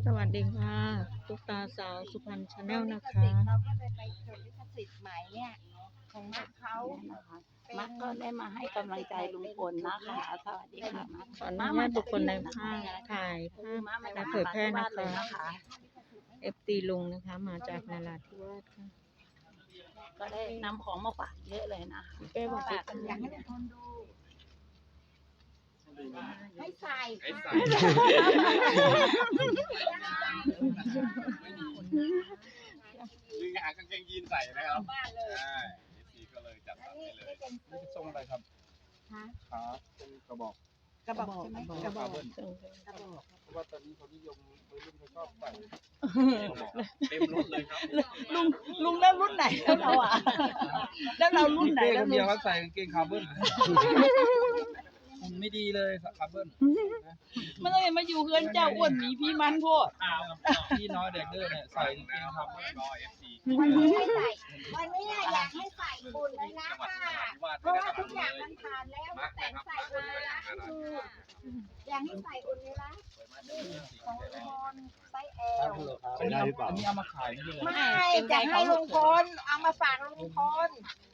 สวัสดีค่ะตุ๊กตาสาวสุพรรณชาแนลนะคะเราก็เลยไปจดลิขสิทธิ์ใหม่เนี่ยของมักเขามักก็ได้มาให้กำลังใจลุงพลนะคะ สวัสดีค่ะมักขออนุญาตบุคคลในภาพถ่ายภาพและเผยแพร่นะคะ FT ลุงนะคะมาจากนราธิวาสค่ะก็ได้นำของมาฝากเยอะเลยนะเป้บอกฝากอยากให้ทุกคนดูให้ใส่ค่ะดึงหากางเกงยีนใส่นะครับบ้านเลยใช่ทีก็เลยจัดอันสรรนี้ให้เลยเป็นนี่เป็นทรงอะไรครับฮะขาเป็นกระบอกกระบอกใช่ไหมกระบอกเบิ้ลกระบอกเพราะว่าตอนนี้เขานิยมวัยรุ่นเขาชอบใส่กระบอกเต็มรถเลยครับลุงแล้วรุ่นไหนแล้วเราอ่ะแล้วเรารุ่นไหนเป้แล้ควน ลุเดียวงเขาใส่กางเกงคาร์เบิ้ลมันไม่ดีเลยคาร์เบิ้ลมันต้องมาอยู่เพื่อนเจ้าอ้วนหมีพี่มันโพดพี่น้อยเด็กเด้อเนี่ยใส่กางเกงคาร์เบิ้ลรอ FC วันนี้ให้ใส่วันนี้อยากให้ใส่บุญเลยนะค่ะเพราะว่าทุกอย่างมันผ่านแล้วมาแต่งใส่บุญเลยนะคืออยากให้ใส่บุญเลยนะของลุงพลไซส์แอลอันนี้เอามาขายนี่เลยไม่จะให้ลุงพลเอามาฝากลุงพล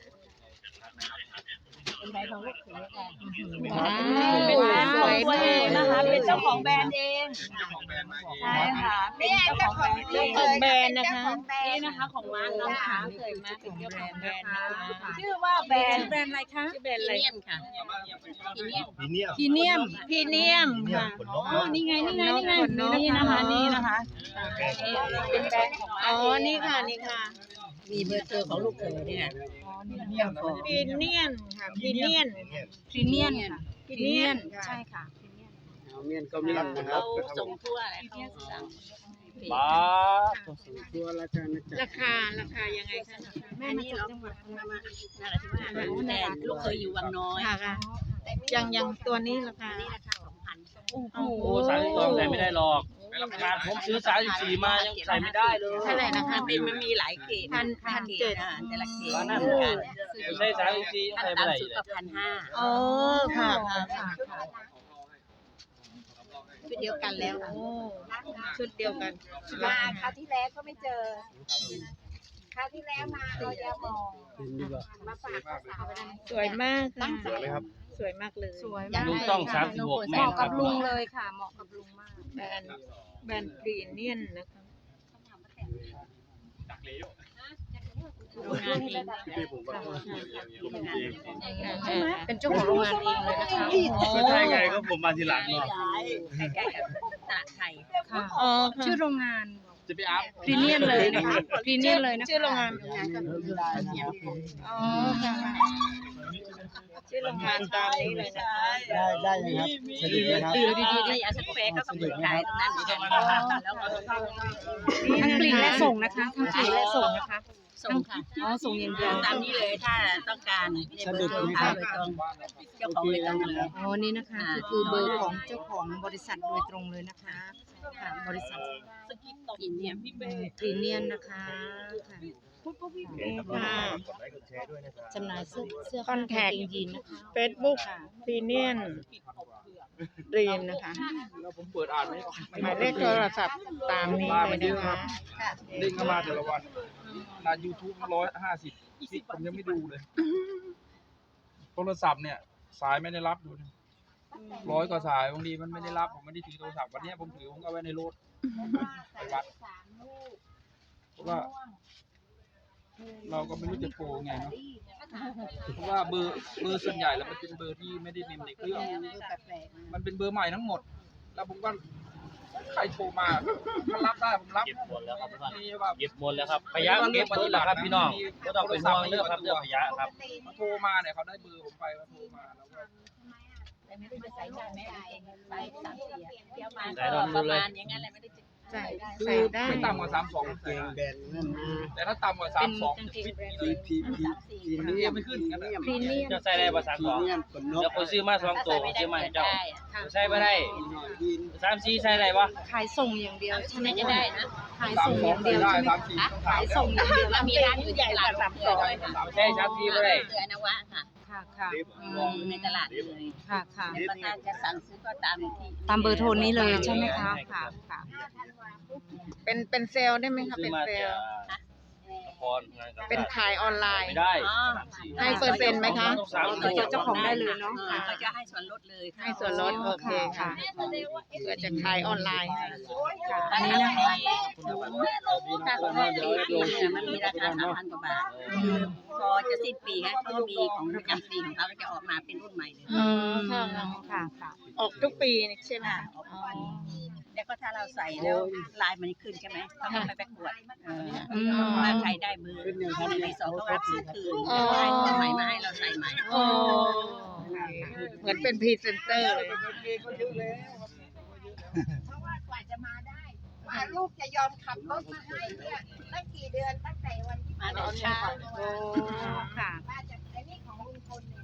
เป็นใบของลูกเสือค่ะเป็นแบรนด์สวยตัวเองนะคะ เป็นเจ้าของแบรนด์เองของแบรนด์มาเองใช่ค่ะเป็นเนี่ยเจ้าเจ้าขขออง งแบรนด์นี่เองเลยแบรนด์นะคะของแบรนนี่ด์นะคะของร้านน้นะองคะขาเคยมาเป็นเจ้าของแบรนด์นะคะชื่อว่าแบรนด์แบรนด์อะไรคะชื่อแบรนด์อะไรค่ะพรีเนียมพรีเนียมพรีเนียมค่ะขนนกอ๋อนี่ไงนี่ไงนี่ไงขนนกนี่นะคะนี่นะคะเป็นแบรนด์ของอ๋อนี่ค่ะนี่ค่ะมีเบอร์เจอของลูกเขยเนี่ยพรีเนียมค่ะพรีเนียมพรีเมียมค่ะพรีเนียมใช่ค่ะเมียนก็มีนะครับเราส่งทั่วอะไรเขาสั่งบ้าตัวราชาณจักรราคายังไงคะแม่นี่เราจังหวัดนาราธิวาสแต่ลูกเคยอยู่วังน้อยค่ะค่ะยังตัวนี้ราคานี่ราคา2,000 โอ้โหโอ้32ใส่ไม่ได้หรอกขนาดผมซื้อ34มายังใส่ไม่ได้เลยเท่าไหร่นะคะมันมีหลายเกรด 1,700 แต่ละเกรดว่านั่น ไม่ใช่34ยังขั้นใส่ไม่ได้ต่ำสุดก็1,500 อ๋อค่ะค่ะชุดเดียวกันแล้วโอ้ชุดเดียวกันมาคราวที่แล้วก็ไม่เจอคราวที่แล้วมาเราจะมองมาฝากสาวๆนะสวยมากค่ะสวยไหมครับสวยมากเลยสวยลุงต้อง36แม่ครับเลยค่ะเหมาะกับลุงมากแบรนด์พรีเนียมนะคะจากเลี้ยวโรงงานเองพี่ผมก็เป็นเจ้าของโรงงานเองเลยนะคะก็ใช่ไงก็ผมมาทีหลังเนาะใกล้ๆกับตลาดไทยค่ะอ๋อค่ะชื่อโรงงานจะไปอัพพรีเนียมเลยนะคะพรีเนียมเลยนะคะชื่อโรงงานอ๋อค่ะชื่อโรงงานตามนี้เลยนะคะได้ยังครับสนิทไหมครับดีๆๆอาสเปรย์ก็เปิดขายตรงนั้นเหมือนกันแล้วก็ทั้งกลิ่นและส่งนะคะทั้งกลิ่นและส่งนะคะส่งค่ะอ๋อส่งอย่างเดียวตามนี้เลยถ้าต้องการเบอร์โทรค้าโดยตรงเจ้าของโดยตรงเลยอ๋อนี่นะคะคือเบอร์ของเจ้าของบริษัทโดยตรงเลยนะคะค่ะบริษัทกินเนี่ยพรีเนียมนะคะค่ะค่ะกดไลค์กดแชร์ด้วยนะครับจำหน่ายเสื้อคอนแทคกางเกงยีนนะคะ Facebook พรีเนียมรีมนะคะแล้วผมเปิดอ่านไม่หมายเลขโทรศัพท์ตามนี้เลยนะคะเด้งเข้ามาแต่ละวันนา YouTube 150คลิปผมยังไม่ดูเลย โทรศัพท์เนี่ย สายไม่ได้รับดูนะ100 กว่าสายบางทีมันไม่ได้รับผมไม่ได้ถือโทรศัพท์วันนี้ผมถือผมก็เอาไว้ในรถไปวัดเพราะว่า เราก็ไม่รู้จะโทรไงเนาะเพราะว่าเบอร์ส่วนใหญ่แล้วมันเป็นเบอร์ที่ไม่ได้เมมในเครื่อง มันเป็นเบอร์ใหม่ทั้งหมด แล้วผมก็ใครโทรมาถ้ารับได้ผมรับเก็บหมดแล้วครับนี่ว่าเก็บหมดแล้วครับขยะเก็บหมดแล้วครับพี่น้องก็ต้องเป็นห่วงเรื่องครับเรื่องขยะครับเขาโทรมาเนี่ยเขาได้เบอร์ผมไปเขาโทรมาแล้วก็แต่ไม่รู้จะใส่ได้ไหมไป3-4เที่ยวมาประมาณอย่างนั้นแหละไม่ได้ใส่คืใส่อได้ไม่ต่ำกว่า32 เกงแบรนด์นั่นมาแต่ถ้าต่ำกว่า32ฟิตเลยพีเนียมไม่ขึ้นกันเลยพรีเนียมจะใส่ได้ภาษาพรีสองเนียมขนนกแล้วคนซื้อมา2ตัวผมซื้อมาให้เจ้าใส่ไม่ได้ยีน 34ใส่ได้ปะขายส่งอย่างเดียวใช่ไหมจะได้นะขายส่งอย่างเดียวได้ใช่ไหม 34 ขายส่งอย่างเดียวแล้วมีร้านอยู่ใหญ่กว่า3ตัวด้วยค่ะใช่34ไม่ได้เสือนวะค่ะค่ะค่ะอยู่ในตลาดเลยค่ะค่ะแล้วก็ถ้าจะสั่งซื้อก็ตามที่ตามเบอร์โทรนี้เลยใช่ไหมคะค่ะค่ะเป็นเซลล์ได้ไหมคะซื้อเป็นมาเซแต่ลล์ละครงานกาเป็นขายออนไลน์ไม่ได้อ๋อให้เปอร์เซ็นต์ไหมคะต้องสามต่อเจ้าของได้เลยเนาะเขาจะให้ส่วนลดเลยให้ส่วนลดโอเคค่ะเพื่อจะขายออนไลน์อันนี้นะคะถ้าของปีเนี่ยมันมีราคา3,000 กว่าบาทพอจะสิ้นปีฮะเขาก็มีของประจำปีของเขาก็จะออกมาเป็นรุ่นใหม่เลยค่ะค่ะค่ะออกทุกปีนี่ใช่ไหมค่ะออกทุกปีแล้วก็ถ้าเราใส่แล้วลายมันขึ้นใช่ไหมเขาก็ไปประกวดว่าใครได้เบอร์ปี2ก็รับซื้อคืนได้ตัวใหม่มาให้เราใส่ใหม่โอ้เหมือนเป็นพรีเซนเตอร์เลยเพราะว่ากว่าจะมาได้กว่าลูกจะยอมขับรถมาให้เนี่ยตั้งกี่เดือนตั้งแต่วันที่มาแต่เช้าค่ะป้าจะไอ้นี่ของลุงพลเนี่ย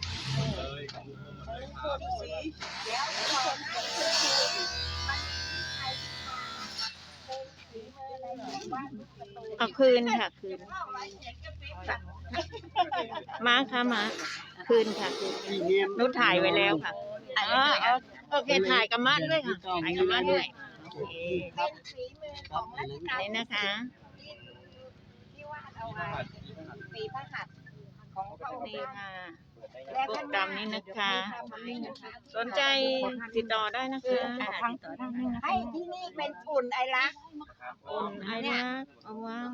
ลุงพลสีเดี๋ยวก่อนนะมันใครเป็นสีมืออะไรอย่างว่าลูกประตูเอาคืนค่ะคืนเข้าไว้เขียนกระปิบมาค่ะมาคืนค่ะคืนนุชถ่ายไว้แล้วค่ะโอเคถ่ายกับมาด้วยค่ะถ่ายกับมาด้วยโอเคเป็นฝีมือของรัชกาลนี่นะคะที่วาดเอาไว้ฝีพระหัตถ์ของพระองค์นี่ค่ะและโปรท่านแกรมนี้นะคะ สนใจติดต่อได้นะคะให้ที่นี่เป็นอุ่นไอรักอุ่นไอรักเอาว้าว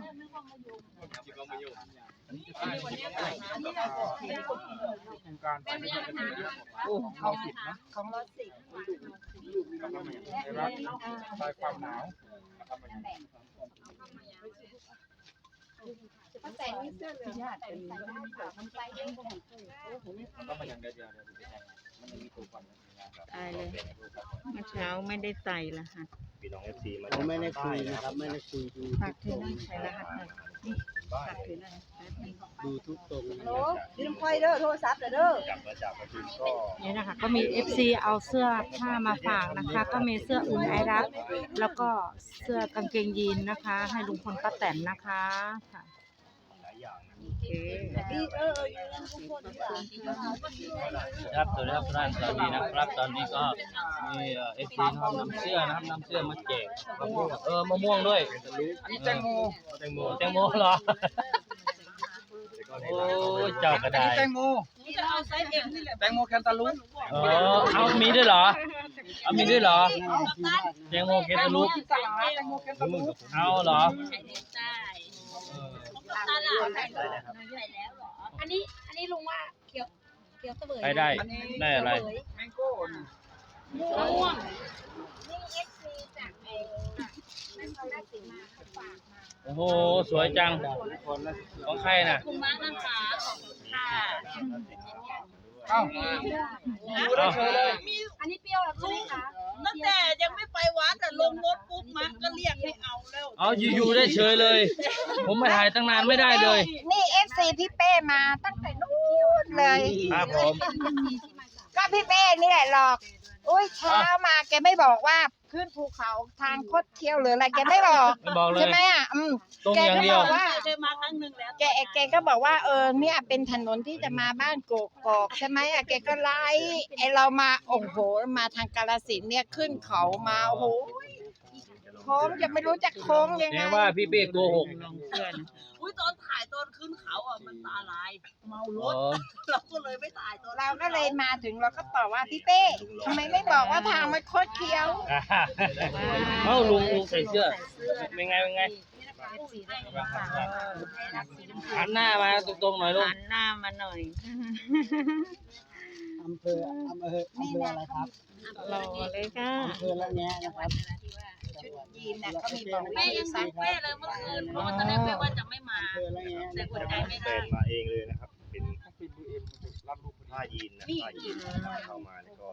โครงการไปด้วยกันเยอะของเรา10นะของรถสิบได้รับคลายความหนาวตั้งแต่นี้เสื้อเหลืองแต่ใส่ได้ค่ะมันใส่ได้หมดตายเลยเมื่อเช้าไม่ได้ใส่รหัสผมไม่ได้คุยนะครับ ไม่ได้คุยดูฝากถือหน่อยใส่รหัสหน่อยนี่ฝากถือหน่อยแป๊บนึงดูทุกตรงนะโอ้ยืมไฟเด้อโทรศัพท์เด้อนี่นะคะก็มี FC เอาเสื้อผ้ามาฝากนะคะ ก็มีเสื้ออุ่นไอรักแล้วก็เสื้อกางเกงยีนนะคะ ให้ลุงพลป้าแตนนะคะค่ะโอเคครับสวัสดีครับท่านสวัสดีนะครับตอนนี้ก็มีFTนะครับนำเสื้อนะครับนำเสื้อมาแจกมะม่วงมะม่วงด้วยอันนี้แตงโมแตงโมเหรอโอ้ยเจ้ากระอันไดนี้แตงโมแตงโมแคนตาลูปเอามีด้วยเหรอเอามีด้วยเหรอแตงโมแคนตาลูปตลาดแตงโมแคนตาลูปเอาเหรอใช้เด็ดใต้ตลาดใส่แล้วเหรออันนี้ลุงว่าเขียวเสวยใครได้ได้อะไรแมงโก้นี่ม่วงนี่เอฟซีจากไอ้นครราชสีมาเขาฝากมาโอ้โหสวยจังของใครน่ะคุณมากนะคะขอบคุณค่ะเอ้าดูได้เฉยเลยอันนี้เปรี้ยวแล้วใช่ไหมคะตั้งแต่ยังไม่ไปวัดแต่ลงรถปุ๊บมาก็เรียกให้เอาแล้วเอาอยู่ๆได้เฉยเลย ผมมาถ่ายตั้งนานไม่ได้เลยนี่เอฟซีพี่เป้มาตั้งแต่นู้นเลยครับผมก็พี่เป้นี่แหละหรอกอุ้ยเช้ามาแกไม่บอกว่าขึ้นภูเขาทางคดเคี้ยวหรืออะไรแกไม่บอกไม่บอกเลยใช่ไหมอ่ะตรงแกอย่างก็เดีบยวอกว่าเคยมาครั้งหนึ่งแล้วแกก็บอกว่าเนี่ยเป็นถนนที่จะมาบ้านโกกอกใช่ไหมอ่ะแกก็ไล่ไอเรามาโอ้โหมาทางกาฬสินธุ์เนี่ยขึ้นเขามาโอ้โหโค้งจะไม่รู้จะโค้งยังแปไงลว่าพี่เป้โกหกลองเสื้อนะอุ้ยตอนถ่ายตอนขึ้นเขาอ่ะมันตาลายเมารถอ๋อเราก็เลยไม่ถ่ายตอนเราก็เลยมาถึงเราก็ตอบว่าพี่เป้ทำไมไม่บอกว่าทางมันคดเคี้ยวเอ้าลุงใส่เสื้อเป็นไงหันหน้ามาตรงๆหน่อยลุงหันหน้ามาหน่อยอำเภออะไรครับรอเลยค่ะอำเภอละแงนะครับยีนน่ะก็มีบอกแม่ยังซักแม่เลยเมื่อคืนเพราะว่าตอนแรกแม่ว่าจะไม่มาอำเภอละแงแต่อดใจไม่ได้มาเองเลยนะครับ เป็นปิดดูเอ็มรับรูปผ้ายีนนะผ้ายีนเข้ามาแล้วก็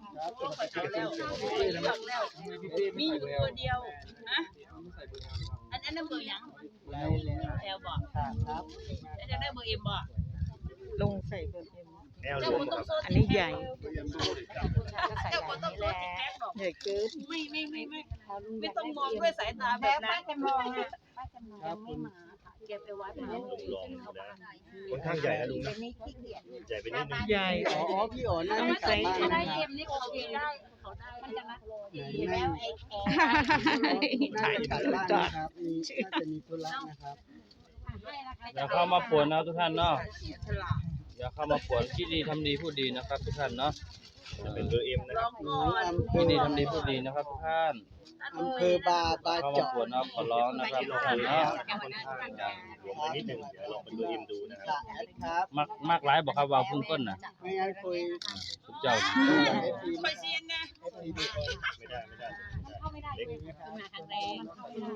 มีอยู่ตัวเดียวนะอันนั้นเบอร์ยังแอลบอกครับแล้วจะได้เบอร์เอ็มบอกลงใส่เบอร์เอ็มแอลเจ้าลูคนกต้องโซนอันนี้ใหญ่เจ้าคนต้องโซนติดแท็กบอกใหญ่เกินไม่ต้องมองด้วยสายตาแบแล้วบนั้ป้าน จะมองอ่ะป้าจะมองครับคุณเก็บไปวัดมาลองดูนะค่อนข้างใหญ่นะลุงนะนี่ขี้เกียจใหญ่ไปนิดนึงใหญ่อ๋อพี่อ๋อนั่งกลับบ้านนะครับนี่โอเคได้เขาได้มันจะรักแล้วไอ้น่าจะกลับบ้านนะครับน่าจะมีธุระนะครับอย่าเข้ามาป่วนนะทุกท่านเนาะอย่าเข้ามาป่วนคิดดีทำดีพูดดีนะครับทุกท่านเนาะจะเป็นเบอร์เอ็มนะครับหนูอำเภคิดอดีทำดีพูดดีนะครับทุกท่านอำเภอบาเข้ามาเจาะป่วนนะขอร้องนะครับทุกท่านแล้เนาะวนะครับค่อนข้างจะรวมไปนิดนึงเดี๋ยวลองเป็นเบอร์เอ็มดูนะครับครับมากหลายบอกครับว่าพุ่งก้นน่ะไม่งั้นคุยทุกเจ้าไปเซียนนะไม่ได้เล็กมาครั้งแรก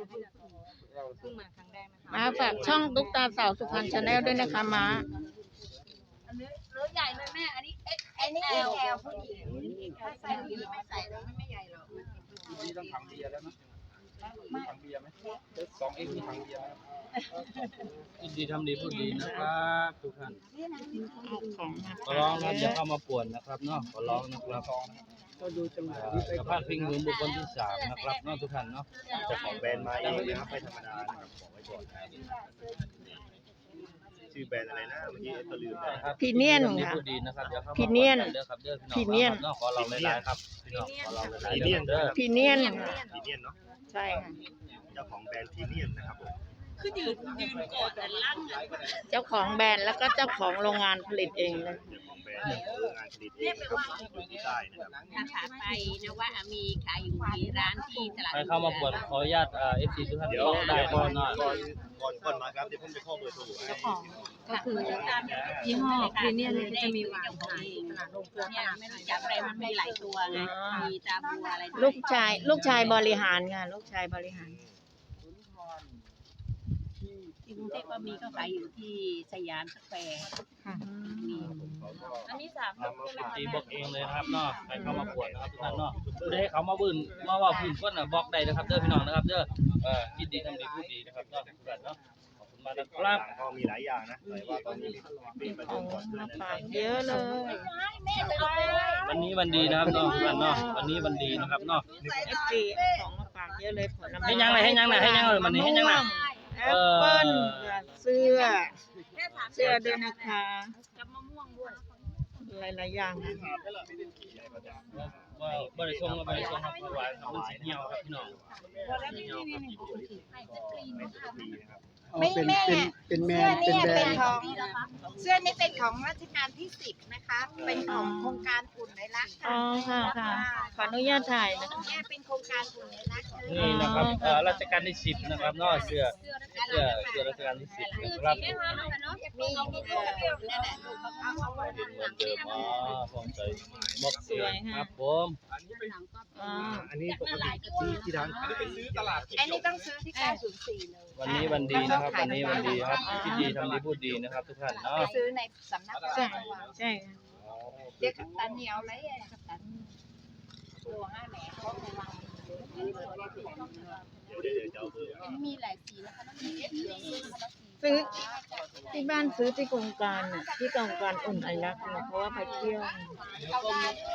มาฝากช่องตุ๊กตาสาวสุพรรณชาแนลด้วยนะคะมาหรือใหญ่เลยแม่อันนี้ไอ้นี่แอลผู้หญิงถ้าใส่ผู้หญิงไม่ใส่แล้วไม่ใหญ่หรอกนี่ต้องถังเบียร์แล้วนะมีถังเบียร์ไหม2X มีถังเบียร์ไหมคิดดีทำดีพูดดีนะครับทุกท่านเอาของมาขอร้องนะครับอย่าเข้ามาป่วนนะครับเนาะขอร้องนะครับก็ดูจังหวะนี้ไปอย่าพลาดพิงถึงบุคคลที่สามนะครับเนาะทุกท่านเนาะเจ้าของแบรนด์มาเองนะครับไม่ธรรมดานะครับบอกไว้ก่อนนะครับชื่อแบรนด์อะไรนะเมื่อกี้ก็ลืมไปครับพีเนียนดีค่ะพูดดีนะครับอย่าเข้ามาพีเนียนเด้อครับเด้อพีเนียนเนาะขอเราหลายๆครับพี่น้องขอเราหลายพีๆเนียนเด้อพีเนียนพีเนียนเนาะใช่ค่ะเจ้าของแบรนด์พีเนียนนะครับผมคือยืนกอดแต่ลั่งเจ้าของแบรนด์แล้วก็เจ้าของโรงงานผลิตเองเลยเจ้าของแบรนด์โรงงานผลิตเองนะครับอยู่ที่ใต้นะครับถ้าขาไปนะว่ามีขายอยู่ที่ร้านที่ตลาดใครเข้ามาป่วนขออนุญาตFC ทุกท่านเดี๋ยวได้ก่อนหน่อยก่อนมาครับเดี๋ยวผมจะข้อเบอร์โทรให้ก็คือยี่ห้อพรีเมียมเนี่ยก็จะมีวางขายตลาดโรงเกลือตเนี่ยลาดไม่รู้จักอะไรมันมีหลายตัวไงมีตาบัวอะไรลูกชายบริหารค่ะลูกชายบริหารที่กรุงเทพก็มีก็ขายอยู่ที่สยามสแควร์ค่ะมีอันนี้3 ตีบอกเองเลยนะครับเนาะใครเข้ามาป่วนนะครับทุกท่านเนาะผู้ใดเขามาบื้นมาว่าพื้นก้นน่ะบอกได้นะครับเด้อพี่น้องนะครับเด้อคิดดีทำดีพูดดีนะครับเนาะทุกท่านเนาะขอบคุณมากนะครับก็มีหลายอย่างนะแต่ว่าตอนนี้เป็นประขเด็อน งก่อนมานะฝากเยอะเลยวันนี้วันดีนะครับเนาะทุกท่านเนาะวันนี้วันดีนะครับเนาะ FG ของมาฝากเยอะเลยผลไม้ให้ยังเลยให้ยังเลยให้ยังเลยวันนี้ให้ยังเลยแอปเปิ้ลเสื้อด้วยนะคะกับมะม่วงด้วยหลายๆอย่างค่ะว่าบริษัทบริษัทครับหวานมันสีเหี่ยวครับพี่น้องเหี่ยวครับอ๋อเป็นแมเสื้อนเป็นเนี่ยแบรเป็นนด์ของเสื้อนี่เป็นของรัชกาลที่10นะคะ เป็นของโครงการอุ่นในรักอ๋อค่ะค่ะขออนุญาตถ่ายนะคะเนี่ยเป็นโครงการอุ่นในรักนี่นะครับรัชกาลที่10นะครับเนาะเสื้อรัชกาลที่10นะครับมีนั่นแหละลูกเอาไว้เป็นวันเดิมพร้อมใจบอกสวยค่ะครับผมอ๋ออันนี้ปกติที่ร้านขายไปซื้อตลาดอันนี้ต้องซื้อที่904เลยวันนี้วันดีนะครับวันนี้วันดีครับคิดดีทำดีพูดดีนะครับทุกท่านเนาะไปซื้อในสำนักพระใช่ราชวังใช่ค่ะเดี๋ยวกัปตันเหนียวไรกัปตันตัว5แหน่เขาในวังเดี๋ยวจะเอาเบอร์มันมีหลายสีนะคะต้องมีเหลืองซื้อที่บ้านซื้อที่โครงการน่ะที่โครงการอุ่นไอรักเนี่ยเพราะว่าไปเที่ยวเขาได้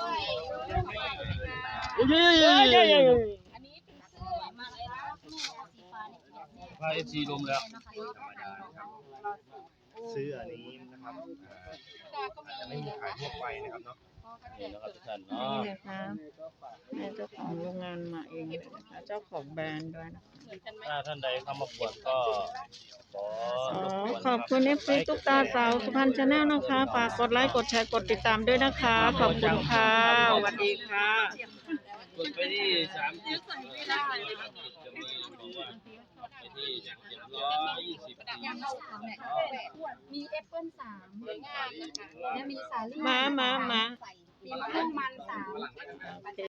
อันนี้อันนี้เป็นเสื้อมาเลยนะแม่สีฟ้าเนี่ยพาเอฟซีลมแล้วซื้ออันนี้นะครับอาจจะไม่มีขายทั่วไปนะครับเนาะนี่นะครับทุกท่านนี่เนาะนะคะแม่เจ้าของโรงงานมาเองเลยนะคะเจ้าของแบรนด์ด้วยนะคะถ้าท่านใดเข้ามาปวดก็ขอขอบคุณ FC ตุ๊กตาสาวสุพรรณชาแนลนะคะฝากกดไลค์กดแชร์กดติดตามด้วยนะคะขอบคุณค่ะสวัสดีค่ะกดไปที่3จุดจะมีบอกว่าไปที่120 มีแอปเปิ้ล3สวยงามนะคะและมีสาลี่มามีมะม่วงมัน3